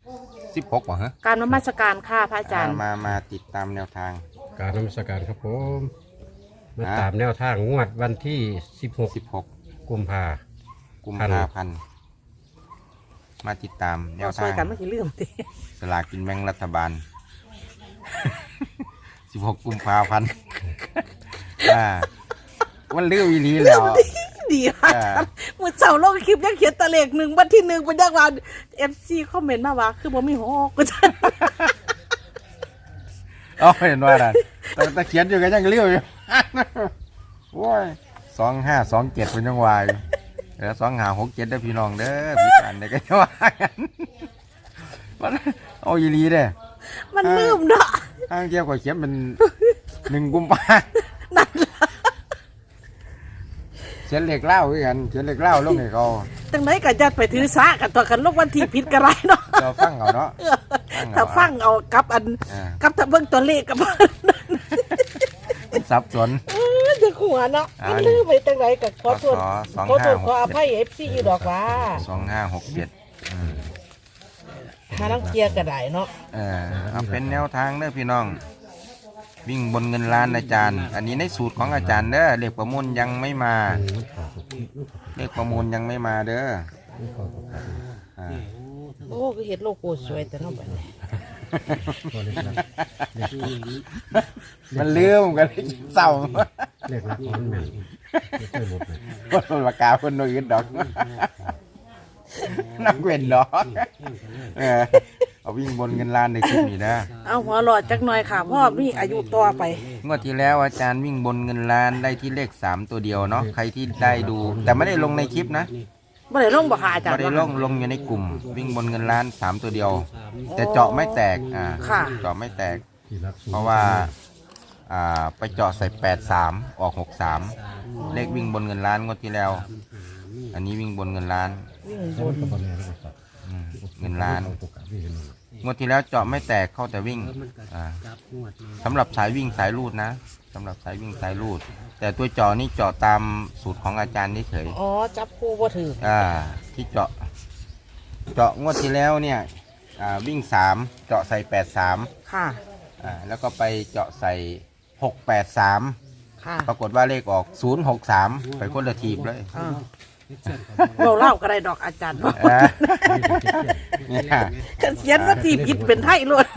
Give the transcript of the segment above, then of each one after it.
16บ่ฮะการนมัสการค่ะพระอาจารย์มาติดตามแนวทางการนมัสการครับผมมาตามแนวทางงวดวันที่16กุมภาพันธ์มาติดตามแนวทางช่วยกันไม่กี่เรื่องติสลากกินแบ่งรัฐบาล16กุมภาพันธ์วันลืมอีหลีแล้วดีค่ะเมื่อเช้าลงคลิปยังเขียนตะเลข1วันที่1เป็นยักษ์วัน FC คอมเมนต์มาว่าคือบ่มีหอกก็จะเห็นว่าแต่เขียนอยู่ก็ยังเลี้ยวอยู่โอ้ย2527เป็นยังวายแล้ว2567ได้พี่น้องเด้อพี่กันได้ก็ว่ากันเอาอีหลีเด้มันลืมเนาะทางเกี่ยวกับเขียนเป็น1กุมภานั่นเขียนเลขเล่าคือกันเขียนเลขเล่าลงให้เขาจังได๋ก็จัดไปถือซะกันตัวกันลงวันที่ผิดก็ไรเนาะเราฟังเอาเนาะถ้าฟังเอากับกับถ้าเบิ่งตัวเลขกับสับสนจะขัวเนาะมันลืมไปจังไดก็ขอโทษขออภัย FC อยู่ดอกว่า 2567 มาลังเกียร์ก็ได้เนาะเอาเป็นแนวทางเด้อพี่น้องวิ่งบนเงินล้านอาจารย์อันนี้ในสูตรของอาจารย์เด้อเลขประมูลยังไม่มาเลขประมูลยังไม่มาเด้อโอ้ก็เห็นโลโก้สวยแต่เนาะบัดนี้มันลืมกันเศร้าเลขลักมันแม่นไม่เคยหลุดเลยคนปากกาคนอื่นดอกนักเว้นดอกเอาวิ่งบนเงินล้านในคลิปนี้นะเอาหัวหลอดจักหน่อยค่ะพ่อมีอายุต่อไปงวดที่แล้วอาจารย์วิ่งบนเงินล้านได้ที่เลข3ตัวเดียวเนาะใครที่ได้ดูแต่ไม่ได้ลงในคลิปนะไม่ได้ลงบ่ค่ะอาจารย์ไม่ได้ลงอยู่ในกลุ่มวิ่งบนเงินล้าน3ตัวเดียวแต่เจาะไม่แตกเจาะไม่แตกเพราะว่าไปเจาะใส่83ออก63เลขวิ่งบนเงินล้านงวดที่แล้วอันนี้วิ่งบนเงินล้านเงินล้านงวดที่แล้วเจาะไม่แตกเข้าแต่วิ่งสำหรับสายวิ่งสายรูดนะสำหรับสายวิ่งสายรูดแต่ตัวเจาะนี่เจาะตามสูตรของอาจารย์เฉยอ๋อจับคู่บ่ถือที่เจาะงวดที่แล้วเนี่ยวิ่ง3เจาะใส่83 ค่ะแล้วก็ไปเจาะใส่683 ค่ะปรากฏว่าเลขออก063ไปคนละทีบเลยเราเล่าก็ได้ดอกอาจารย์เขียนว่าทีผิดเป็นไทยล้วน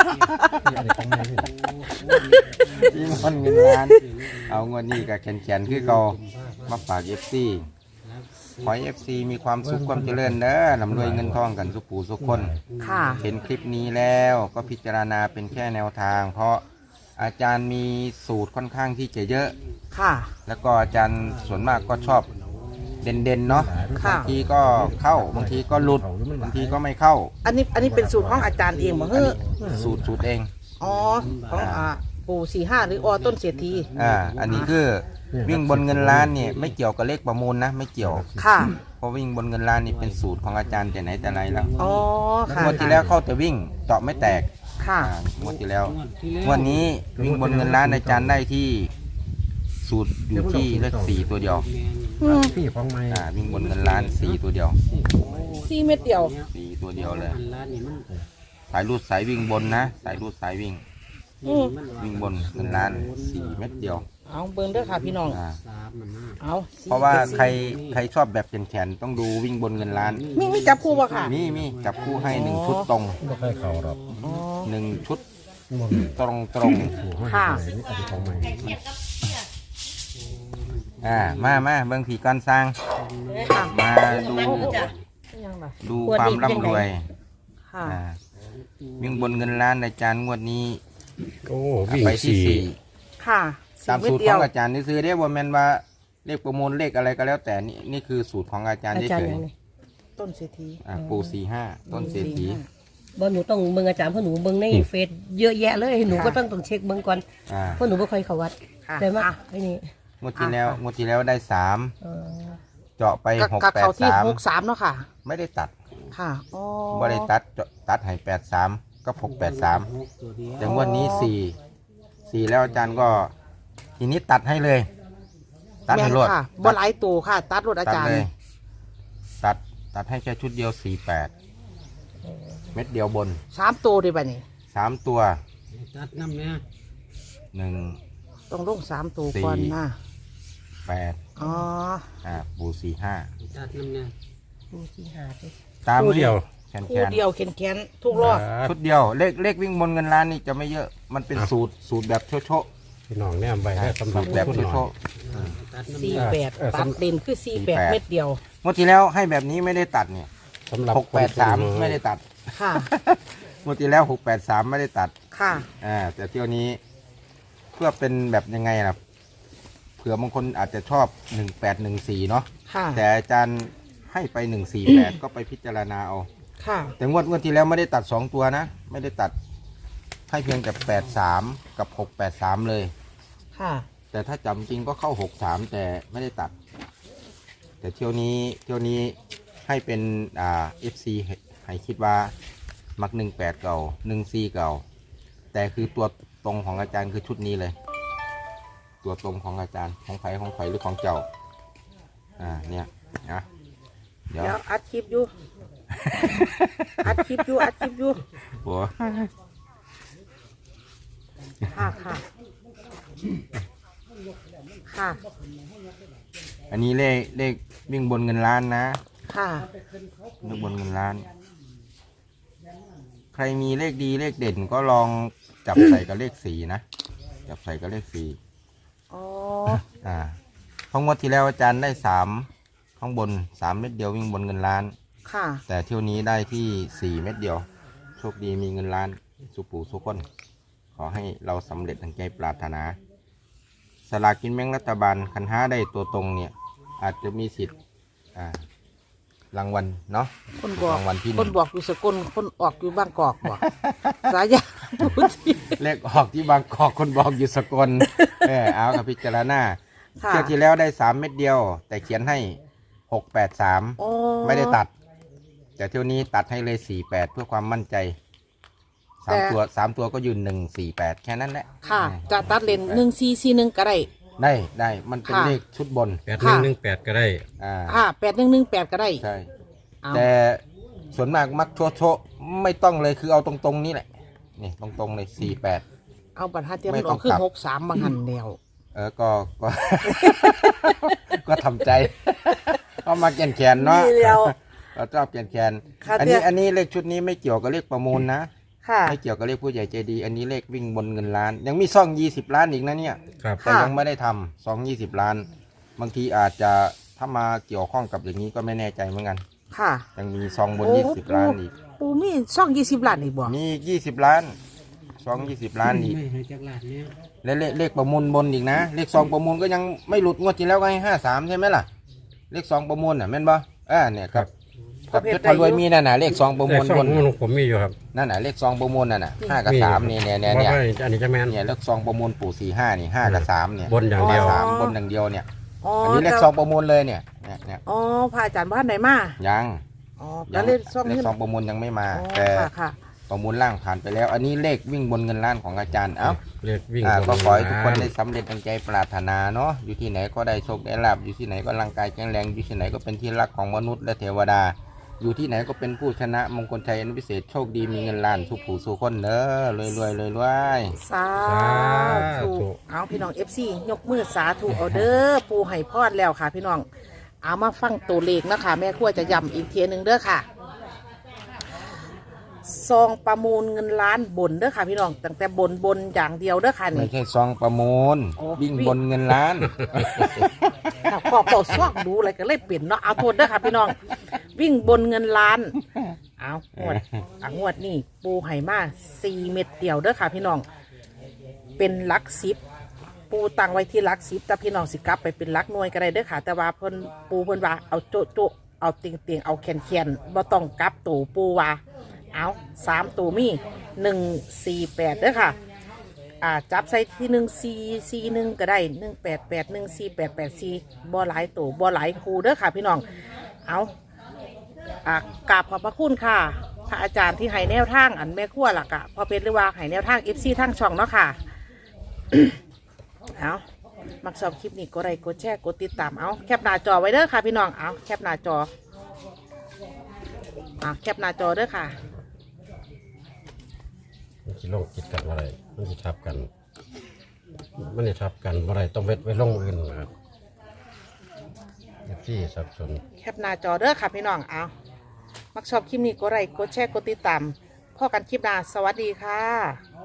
ที่มันเงินล้านเอาเงินนี่กับแขนคือเขามาฝากFCขอให้ FC มีความสุขความเจริญเด้อลำรวยเงินทองกันสุขผู้สุขคนเห็นคลิปนี้แล้วก็พิจารณาเป็นแค่แนวทางเพราะอาจารย์มีสูตรค่อนข้างที่จะเยอะแล้วก็อาจารย์ส่วนมากก็ชอบเด่นๆเนาะบางทีก็เข้าบางทีก็หลุดบางทีก็ไม่เข้าอันนี้เป็นสูตรของอาจารย์เองบ่สูตรเองอ๋อของปู่45หรือต้นเศรษฐีอันนี้คือวิ่งบนเงินล้านเนี่ยไม่เกี่ยวกับเลขประมูลนะไม่เกี่ยวเพราะวิ่งบนเงินล้านนี่เป็นสูตรของอาจารย์แต่ไหนแต่ไรแล้วงวดที่แล้วเข้าแต่วิ่งเจาะไม่แตกงวดที่แล้ววันนี้วิ่งบนเงินล้านอาจารย์ได้ที่สูตรอยู่ที่เลข4ตัวเดียววิ่งบนเงินล้าน4ตัวเดียว 4เม็ดเดียว 4ตัวเดียวเลยสายรูดสายวิ่งบนนะสายรูดสายวิ่งบนเงินล้าน4เม็ดเดียวเอาเบิ่งเด้อค่ะพี่น้องเอาเพราะว่าใครชอบแบบแขนต้องดูวิ่งบนเงินล้านมีจับคู่ป่ะค่ะมีจับคู่ให้1ชุดตรงไม่ค่อยเข่าหรอก 1ชุดตรงค่ะมาเบิ่งผีการสร้างมาดูความร่ำรวยวิ่งบนเงินล้านอาจารย์งวดนี้ไปที่ค่ะตามสูตรของอาจารย์นี่ซื้อได้ว่าแม่นว่าเลขประมูลเลขอะไรก็แล้วแต่นี่คือสูตรของอาจารย์เฉยๆต้นเศรษฐีปู่45ต้นเศรษฐีบ่หนูต้องเบิ่งอาจารย์เพราะหนูเบิ่งในเฟซเยอะแยะเลยหนูก็ต้องเช็คเบิ่งก่อนเพราะหนูไม่ค่อยเข้าวัดแต่ว่าไอ้นี่งวดที่แล้วได้3เจาะไป 683เนาะค่ะไม่ได้ตัดค่ะไม่ได้ตัดให้83ก็683แต่งวดนี้4แล้วอาจารย์ก็ทีนี้ตัดให้เลยตัดให้รวดบ่หลายตัวค่ะตัดรวดอาจารย์ตัดให้แค่ชุดเดียว48 เม็ดเดียวบน 3ตัวได้ป่ะนี่ 3 ตัวตัดน้ำเนี่ย 1 ต้องลง3ตัวก่อนนะ 8 อ๋อปู45 ตัดน้ำเนี่ยดูที่หาดิตามคู่เดียวแขนคู่เดียวแขนๆทุกรอบชุดเดียวเลขวิ่งบนเงินล้านนี่จะไม่เยอะมันเป็นสูตรแบบโชะพี่น้องเนี่ยใบได้สำหรับสูตรแบบผู้น้อยโชะ 48ตัดเด่นคือ48เม็ดเดียวๆงวดที่แล้วให้แบบนี้ไม่ได้ตัดเนี่ยสำหรับ 683ไม่ได้ตัดค่ะงวดที่แล้ว683ไม่ได้ตัดค่ะแต่เที่ยวนี้เพื่อเป็นแบบยังไงล่ะเผื่อบางคนอาจจะชอบ1814เนาะค่ะแต่อาจารย์ให้ไป148 ก็ไปพิจารณาเอาค่ะแต่งวดที่แล้วไม่ได้ตัด2ตัวนะ ไม่ได้ตัดให้เพียงแต่83กับ683เลยค่ะแต่ถ้าจำจริงก็เข้า63แต่ไม่ได้ตัด แต่เที่ยวนี้ให้เป็นFC ให้คิดว่ามัก18เก่า14เก่าแต่คือตัวตรงของอาจารย์คือชุดนี้เลย ตัวตรงของอาจารย์ของไผ่หรือของเจ้าเนี่ยนะเดี๋ยวเดี๋ยวอัดคลิปอยู่ อัดคลิปอยู่หัวค่ะค่ะค่ะอันนี้เลขวิ่งบนเงินล้านนะค่ะเลขบนเงินล้าน ใครมีเลขดีเลขเด่นก็ลองจับใส่กับเลข4นะจับใส่กับเลข4 อ๋อเพราะงวดที่แล้วอาจารย์ได้3ข้างบน3 เม็ดเดียววิ่งบนเงินล้านค่ะแต่เที่ยวนี้ได้ที่4 เม็ดเดียวโชคดีมีเงินล้านสุปู่สุขคนขอให้เราสำเร็จดังใจปรารถนาสลากกินแบ่งรัฐบาลคันห้าได้ตัวตรงเนี่ยอาจจะมีสิทธิ์รางวัลเนาะคนบอกรางวัลที่หคนึ่นงบอกอยู่สกลคนออกอยู่บางกอกบอก สายยาพูดที่เลขออกที่บางกอกคนบอกอยู่สกลเอากับพิจารณาค่ะเที่ยวที่แล้วได้3 เม็ดเดียว แต่เขียนให้683 โอ้ไม่ได้ตัด แต่เที่ยวนี้ตัดให้เลย48เพื่อความมั่นใจ3 ตัวก็ยืน148แค่นั้นแหละค่ะ จะตัดเลน1441ก็ได้ได้มันเป็นค่ะเลขชุดบน 8118ก็ได้ 8118ก็ได้ใช่เอาแต่ส่วนมากมักโชะไม่ต้องเลยคือเอาตรงๆนี้แหละนี่ตรงๆเลย48 เอาบัตรหาเทียมไม่มันอต้ออก งขึ้นกลับ 63บางหันแนวก็ ก็ทำใจก็มาแขนเนาะนี่เดียวเราชอบแขนค่ะอันเดี๋นี้ยวอันนี้เลขชุดนี้ไม่เกี่ยวกับเลขประมูลนะค่ะไม่เกี่ยวกับเลขผู้ใหญ่ใจดี อันนี้เลขวิ่งบนเงินล้าน ยังมีซ่อง20 ล้านอีกนะเนี่ยครับแต่ยังไม่ได้ทำซอง20 ล้าน บางทีอาจจะถ้ามาเกี่ยวข้องกับอย่างนี้ก็ไม่แน่ใจเหมือนกันค่ะยังมีซองบนโอ้ 20 ล้านอีกปูมีช่อง20ล้านอีกบ่มีอีก20 ล้านซอง20 ล้านอีกไม่ให้จักลาดเนี่ยและเลขประมูลบนอีกนะ เลขซองประมูลก็ยังไม่หลุดงวดที่แล้วก็ให้53ใช่ไหมล่ะ เลขซองประมูลน่ะแม่นบ่เนี่ยครับกับเพชรพารวยมีนั่นน่ะเลขซองประมูลแต่บสอน งของผมมีอยู่ครับนั่นน่ะเลขซองประมูลนั่นน่ะ5 กับ 3เนี่ยว่าอันนี้จะแม่นเลขซองประมูลปู่45นี่5 กับ 3เนี่ยบนอย่างเดียวสามบนอย่างเดียวเนี่ยอ๋ออันนี้เลขแต่ซองประมูลเลยเนี่ยเนี่ยอ๋อพระอาจารย์บ้านไหนมายังอ๋อแล้วเล่นช่องเลนี้ขซองประมูลยังไม่มาอ๋อแต่ค่ะค่ะประมูลล่างผ่านไปแล้ว อันนี้เลขวิ่งบนเงินล้านของอาจารย์เอ้าเรียกวิ่งก็ขอให้ทุกคนบได้สำเร็จดังใจปรารถนาเนาะอยู่ที่ไหนก็ได้โชคได้ลาบอยู่ที่ไหนก็ร่างกายแข็งแรงอยู่ที่ไหนก็เป็นที่รักของมนุษย์และเทวดา อยู่ที่ไหนก็เป็นผู้ชนะมงคลชัยอันพิเศษโชคดีมีเงินล้านสุขผู้สุขคนเด้อรวยสาธุเอาพี่น้อง FC ยกมือสาธุเอาเด้อปูให้พรแล้วค่ะพี่น้องเอามาฟังตัวเลขนะคะแม่ครัวจะย้ำอีกเทียหนึงเด้อค่ะซองประมูลเงินล้านบนเด้อค่ะพี่น้องตั้งแต่บนอย่างเดียวเด้อค่ะไม่นี่ใช่ซองประมูลโอ้วิ่งบนเงินล้านขอเป่าซอกดูอะไรก็เลยเปลี่ยนเนาะเอาโทษเด้อค่ะพี่น้องวิ่งบนเงินล้านเอางวดนี่ปูไห่มา4 เม็ดเดียวเด้อค่ะพี่น้องเป็นหลัก10ปูตั้งไว้ที่หลัก10แต่พี่น้องสิกลับไปเป็นหลักหน่วยก็ได้เด้อค่ะแต่ว่าเพิ่นว่าเอาโจะเอาเตียงเอาแคนบ่ต้องกลับตู่ปูว่าเอา3ตัวมี148เด้อค่ะจับใส่ที่1441ก็ได้1881488บ่หลายตัวบ่หลายคูเด้อค่ะพี่น้องเอากราบขอบพระคุณค่ะพระอาจารย์ที่ให้แนวทางอันแม่ครัวหลักอะพอเป็นหรือว่าให้แนวทาง FC ทางช่องเนาะค่ะ เอามักชอบคลิปนี้กดไลค์กดแชร์กดติดตามเอาแคปหน้าจอไว้เด้อค่ะพี่น้องเอาแคปหน้าจอแคปหน้าจอเด้อค่ะสิลงติดกันอะไรมันสิทับกัน มันจะทับกันอะไรต้องเวทไว้ลงอื่นนะครับที่สับสนแคปหน้าจอเด้อค่ะพี่น้องเอามักชอบคลิปนี้กดไลค์กดแชร์กดติดตามพ่อกันคลิปหน้าสวัสดีค่ะ